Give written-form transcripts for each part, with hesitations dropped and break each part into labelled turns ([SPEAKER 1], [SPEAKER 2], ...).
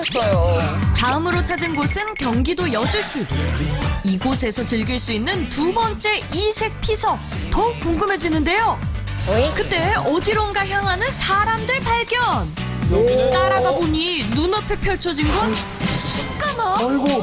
[SPEAKER 1] 미쳤어요.
[SPEAKER 2] 다음으로 찾은 곳은 경기도 여주시. 이곳에서 즐길 수 있는 두 번째 이색 피서. 더욱 궁금해지는데요. 그때 어디론가 향하는 사람들 발견. 따라가 보니 눈앞에 펼쳐진 건 숯가마.
[SPEAKER 3] 아이고.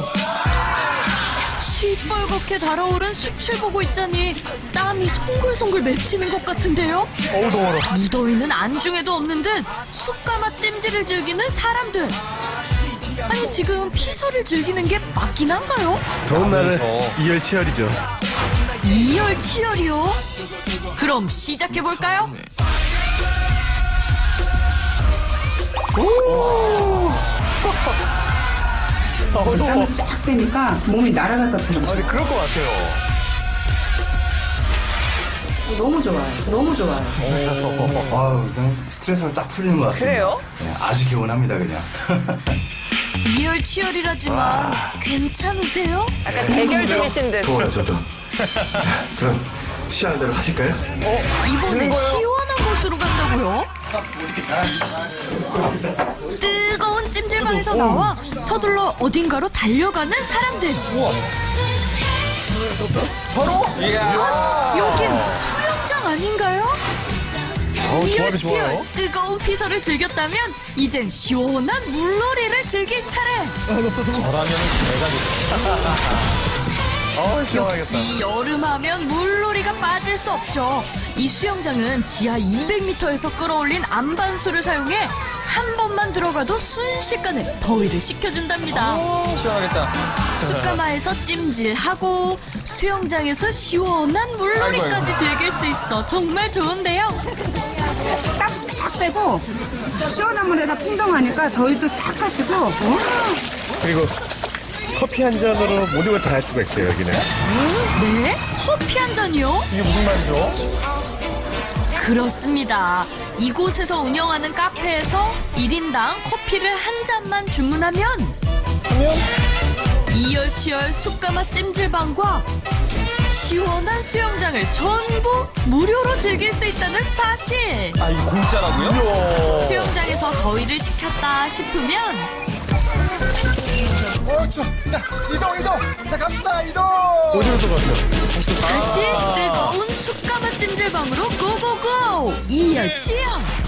[SPEAKER 2] 시뻘겋게 달아오른 숯을 보고 있자니 땀이 송글송글 맺히는 것 같은데요.
[SPEAKER 3] 어우 더워라.
[SPEAKER 2] 무더위는 안중에도 없는 듯 숯가마 찜질을 즐기는 사람들. 아니 지금 피서를 즐기는 게 맞긴 한가요?
[SPEAKER 3] 더운 날은 이열치열이죠.
[SPEAKER 2] 이열치열이요? 그럼 시작해볼까요?
[SPEAKER 4] 땀을 쫙 빼니까 몸이 날아갈 것처럼
[SPEAKER 3] 아니 그럴 것 같아요.
[SPEAKER 4] 너무 좋아요. 너무 좋아요.
[SPEAKER 5] 아우, 그냥 스트레스가 딱 풀리는 것 같습니다.
[SPEAKER 1] 그래요?
[SPEAKER 5] 네, 아주 개운합니다, 그냥.
[SPEAKER 2] 이열치열이라지만 괜찮으세요?
[SPEAKER 1] 약간 대결 중이신 듯.
[SPEAKER 5] 더워요, 저도. 그럼 시원한 대로 가실까요?
[SPEAKER 2] 이번엔 시원한 곳으로 간다고요? 뜨거운 찜질방에서 나와 서둘러 어딘가로 달려가는 사람들. 여긴 수영장 아닌가요?
[SPEAKER 3] 조합이 좋아요.
[SPEAKER 2] 이열치열 뜨거운 피서를 즐겼다면 이젠 시원한 물놀이를 즐길 차례.
[SPEAKER 3] 시원하겠다.
[SPEAKER 2] 역시 여름하면 물놀이가 빠질 수 없죠. 이 수영장은 지하 200m에서 끌어올린 안반수를 사용해 한 번만 들어가도 순식간에 더위를 식혀준답니다.
[SPEAKER 3] 시원하겠다.
[SPEAKER 2] 숯가마에서 찜질하고 수영장에서 시원한 물놀이까지 즐길 수 있어 정말 좋은데요.
[SPEAKER 4] 땀 쫙 빼고 시원한 물에다 풍덩하니까 더위도 싹 가시고
[SPEAKER 3] 그리고 커피 한 잔으로 모든 걸 다 할 수가 있어요 여기는.
[SPEAKER 2] 네? 커피 한 잔이요?
[SPEAKER 3] 이게 무슨 말이죠?
[SPEAKER 2] 그렇습니다. 이곳에서 운영하는 카페에서 1인당 커피를 한 잔만 주문하면 이열치열 숯가마 찜질방과 시원한 수영장을 전부 무료로 즐길 수 있다는 사실.
[SPEAKER 6] 아, 이거 공짜라고요?
[SPEAKER 2] 수영장에서 더위를 식혔다 싶으면
[SPEAKER 3] 추워. 자 이동. 자 갑시다 이동. 어디로 또 가세요?
[SPEAKER 2] 다시 뜨거운 숯가마 찜질방으로 고고고! 이열치열!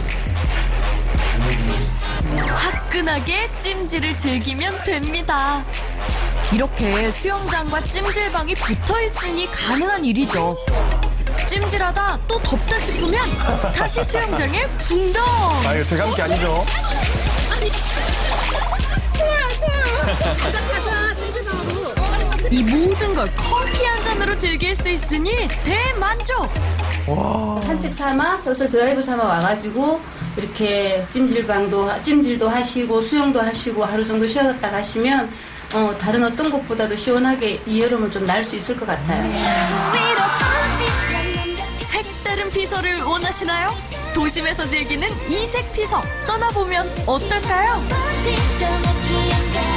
[SPEAKER 2] 화끈하게 찜질을 즐기면 됩니다. 이렇게 수영장과 찜질방이 붙어 있으니 가능한 일이죠. 찜질하다 또 덥다 싶으면 다시 수영장에 붕덩!
[SPEAKER 3] 아 이거 제가 한 게 아니죠.
[SPEAKER 2] 이 모든 걸 커피 한 잔으로 즐길 수 있으니 대만족!
[SPEAKER 7] 산책 삼아 솔솔 드라이브 삼아 와가지고 이렇게 찜질도 하시고 수영도 하시고 하루 정도 쉬었다 가시면 다른 어떤 곳보다도 시원하게 이 여름을 좀 날 수 있을 것 같아요.
[SPEAKER 2] 색다른 피서를 원하시나요? 도심에서 즐기는 이색 피서 떠나보면 어떨까요?